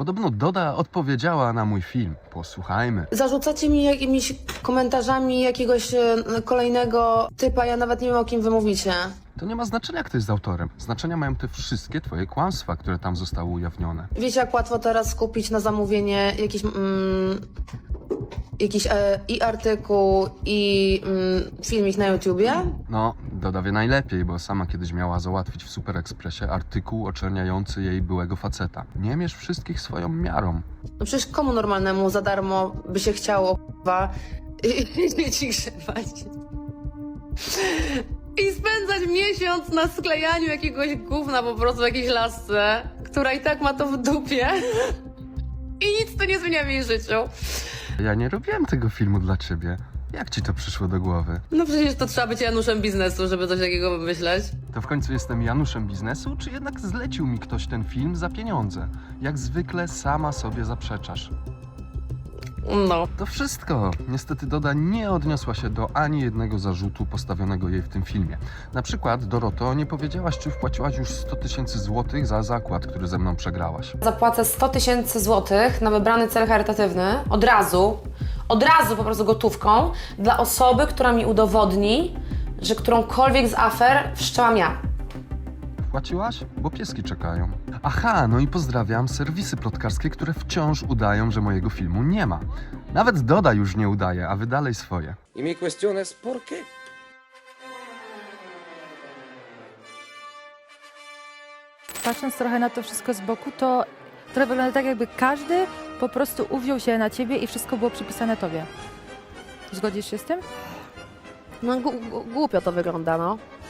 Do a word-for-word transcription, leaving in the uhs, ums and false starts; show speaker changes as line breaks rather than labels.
Podobno Doda odpowiedziała na mój film. Posłuchajmy.
Zarzucacie mi jakimiś komentarzami jakiegoś e, kolejnego typa, ja nawet nie wiem, o kim wy mówicie.
To nie ma znaczenia, kto jest autorem. Znaczenia mają te wszystkie twoje kłamstwa, które tam zostały ujawnione.
Wiecie, jak łatwo teraz skupić na zamówienie jakiś, mm, jakiś e, i artykuł, i mm, filmik na YouTubie?
No, Doda wie najlepiej, bo sama kiedyś miała załatwić w Super Expressie artykuł oczerniający jej byłego faceta. Nie mierz wszystkich swoją miarą.
No przecież komu normalnemu za darmo by się chciało, k***wa, dzieci grzebać i spędzać miesiąc na sklejaniu jakiegoś gówna po prostu w jakiejś lasce, która i tak ma to w dupie i nic to nie zmienia w jej życiu.
Ja nie robiłem tego filmu dla ciebie. Jak ci to przyszło do głowy?
No przecież to trzeba być Januszem biznesu, żeby coś takiego wymyśleć.
To w końcu jestem Januszem biznesu, czy jednak zlecił mi ktoś ten film za pieniądze? Jak zwykle sama sobie zaprzeczasz.
No.
To wszystko. Niestety Doda nie odniosła się do ani jednego zarzutu postawionego jej w tym filmie. Na przykład, Doroto, nie powiedziałaś, czy wpłaciłaś już sto tysięcy złotych za zakład, który ze mną przegrałaś.
Zapłacę sto tysięcy złotych na wybrany cel charytatywny od razu, od razu po prostu gotówką dla osoby, która mi udowodni, że którąkolwiek z afer wszczęłam ja.
Wpłaciłaś? Bo pieski czekają. Aha, no i pozdrawiam serwisy plotkarskie, które wciąż udają, że mojego filmu nie ma. Nawet Doda już nie udaje, a wy dalej swoje.
Y mi cuestión es ¿por qué?
Patrząc trochę na to wszystko z boku, to trochę wygląda tak, jakby każdy po prostu uwziął się na ciebie i wszystko było przypisane tobie. Zgodzisz się z tym?
No gu- gu- głupio to wygląda, no.